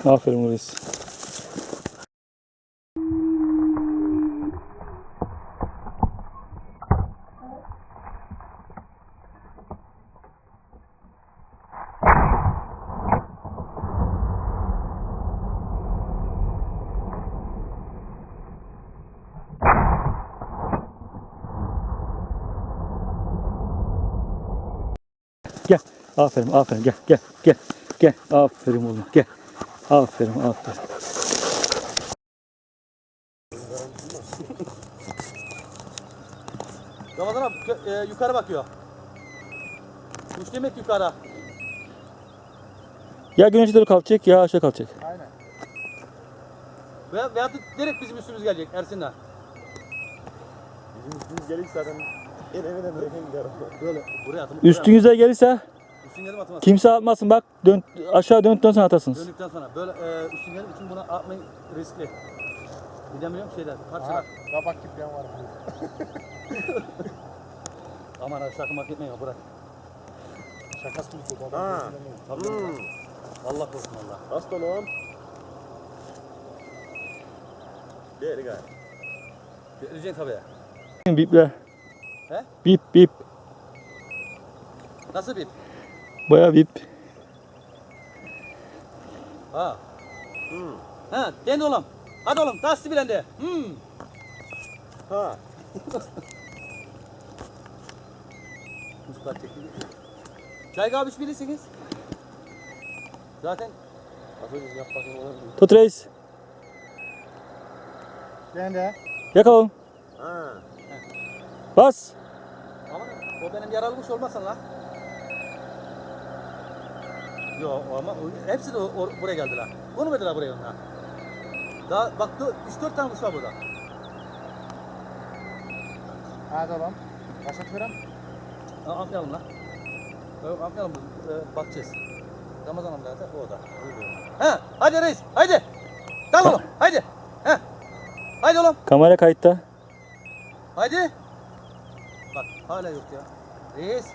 Aferin reis. Gel. Aferin, aferin. Gel, gel, gel. Gel. Aferin oğlum. Gel. Aferin, aferin. Ramazan abi yukarı bakıyor. Kuş demek yukarı. Ya güneşe doğru kalkacak ya aşağı kalkacak. Aynen. Veyahut da direkt bizim üstümüz gelecek Ersin'le. Bizim üstümüz gelir zaten evine bırakayım gider. Böyle buraya atın. Üstünüze gelirse Üstün gelip atmaz. kimse atmasın bak. Dön, aşağı döndükten sonra atarsınız. Döndükten sonra böyle üstün gelip için buna atmayı riskli. Bilemiyorum şeyler, parçalar. Kabak kibriyen var. Aman abi sakın hak etmeyin bırak. Şakası mı bu? Ha. Tabii. Allah korusun Allah. Hasta oğlum. Gel gel. Göreceksin tabii. Biple. He? Bip bip. Nasıl bir? Bayağı bip. Ha. Ha, den oğlum. Hadi oğlum, taslı bilen de. Ha. Muskar çekti. Çay kahve bilirsiniz. Zaten Aferin yap bakayım onu. Tut reis. Ben de. Yakalım. Ha. Bas. ama o benim yaralmış olmasın la. Yo ama hepsi de buraya geldiler. Konmadılar buraya onlar. Daha bak 3-4 tane kuş var burada. Hadi oğlum. Başlat verem. Atlayalım lan. Atlayalım bakacağız. Ramazan amca da o da. He, hadi reis, hadi. Dal oğlum, hadi. He. Hadi oğlum, Kamera kayıtta. hadi. Bak hala yok ya. Reis.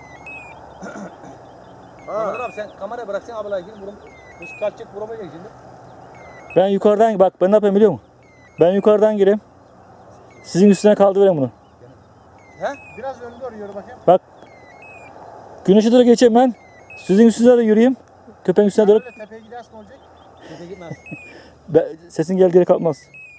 Ramazan abi sen kamerayı bırak sen ablaya girin vurum. Kuş kaçacak vuramayacak şimdi. Ben yukarıdan bak ben ne yapayım biliyor musun? Ben yukarıdan gireyim. Sizin üstüne kaldırayım bunu. He? Biraz önde doğru yürü bakayım. Bak. Güneşe doğru geçeyim ben. Sizin üstünüze de yürüyeyim. Köpeğin üstüne doğru. Böyle tepeye gidersin olacak. Kimse gitmez. Sesin geldiği yere kalkmaz.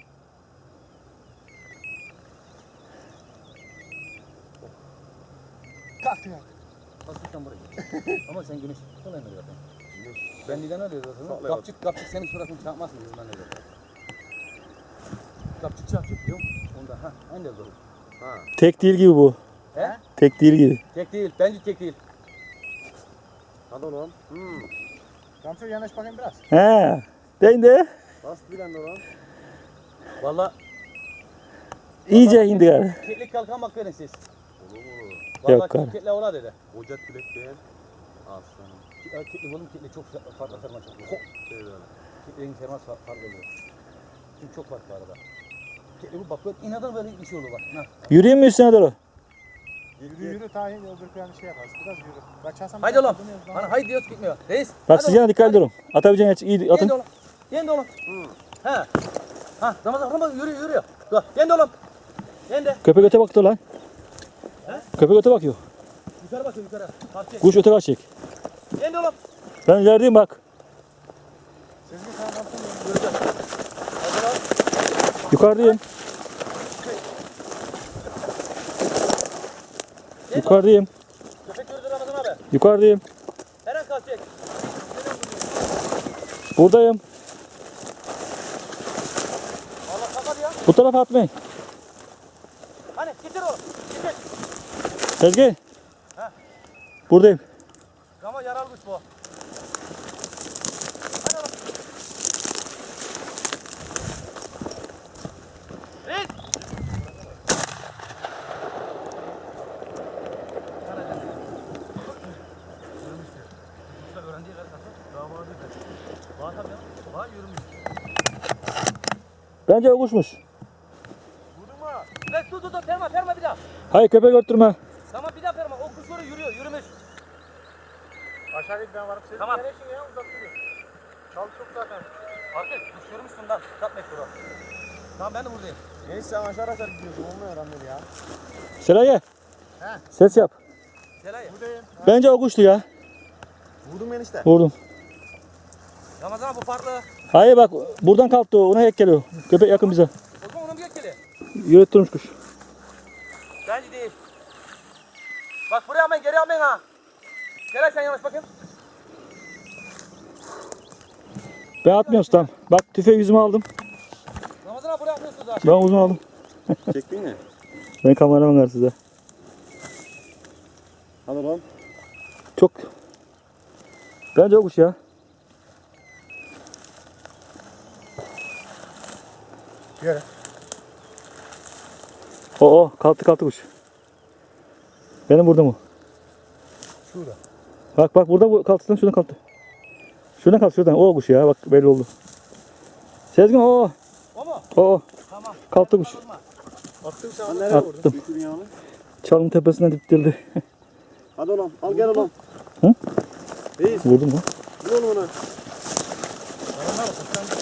Kalktı ya. Hasretten buraya. Ama sen güneş tutamıyorsun zaten. Ben neden öyle zaten? Kapçık senin suratını çarpmasın yüzünden öyle. Kapçık çarpacak diyor. Onda ha en de doğru. Ha. Tek değil gibi bu. He? Tek değil gibi. Tek değil. Bence tek değil. Hadi oğlum. Ramço yanaş bakayım biraz. He. Değil de. Bast bilen de oğlum. Valla İyice indi galiba. ketlik kalkan bak verin siz. Olur mu? Valla Yok galiba. ketle ola dedi. Ocak külek beğen. Aslanım. Ketlik oğlum ketlik çok farklı terma çok. Şey böyle. Ketliğin terma farklı oluyor. Çünkü çok farklı arada. Ketlik bak böyle inadan böyle bir şey olur bak. Ha. Yürüyeyim mi üstüne doğru? Yürü yürü tahin öbür bir şey yaparız. Biraz yürü. Kaçarsam Haydi oğlum. Bana haydi diyoruz gitmiyor. Reis. Bak hadi siz oğlum, yana dikkatli hadi. durun. Atabileceğin iyi Yendi atın. oğlum. Yendi oğlum. He. Ha Ramazan yürüyor. Dur. Yendi oğlum. Yendi. Köpek öte baktı lan. He? Köpek öte bakıyor. Yukarı bakıyor yukarı. Kalkacak. Kuş öte kaçacak. Yendi oğlum. Ben ilerideyim bak. Sezgin sana kaptın mı? Göreceğiz. Hadi lan. Yukarıdayım. Yendi oğlum. Yukarıdayım. Köpek gördü Ramazan abi. Yukarıdayım. Her an kalkacak. Buradayım. Allah kapat ya. Bu tarafa atmayın. Hani getir oğlum. Getir. Sezgin. Ha. Buradayım. Ama yaralmış bu. Hadi oğlum. Reis. Öğrenciye kadar damadı kaçıyor. Bağ tabii ya. Bağ yürümüş. Bence o kuşmuş. Vurdun mu? Lan dur perma bir daha. Hayır köpek öttürme. Tamam bir daha perma. O kuş oraya yürümüş. Aşağı git ben varım. Sezgin Tamam. nereye şimdi ya? Uzak duruyor. Çalışıyor zaten. Fark et. Kuş görmüşsün lan. Tat mektubu. Tamam ben de buradayım. Neyse sen aşağı aşağı gidiyorsun. Olmuyor Ramil ya. Selaye. He. Ses yap. Selay. Buradayım. Bence o kuştu ya. Vurdum ben işte. Vurdum. Ramazan bu farklı. Hayır bak buradan kalktı o. Ona ek geliyor. Köpek yakın bize. O zaman onun bir etkili. Yürüttürmüş kuş. Bence değil. Bak buraya almayın, geri almayın ha. Selay sen yavaş bakayım. Ben atmıyorum tam. Bak tüfeği yüzüme aldım. Ramazan abi buraya atmıyorsunuz ha. Ben uzun aldım. Çektin mi? Ben kameraman var size. Hadi oğlum. Çok. Bence o kuş ya. Yere. O kalktı kuş. Benim burada mı? Şurada. Bak burada bu kalktı, şuradan kalktı. Şuradan kalktı, şuradan. O kuş ya, bak belli oldu. Sezgin o. O mu? O. Tamam. Kalktı kuş. Attım sen nereye Attım. vurdun? Düşürün yağını. Çalın tepesinden diptildi. Hadi oğlum. Al gel oğlum. Hı? Reis. Vurdum mu? Vur oğlum ona. Ramazan abi kuştan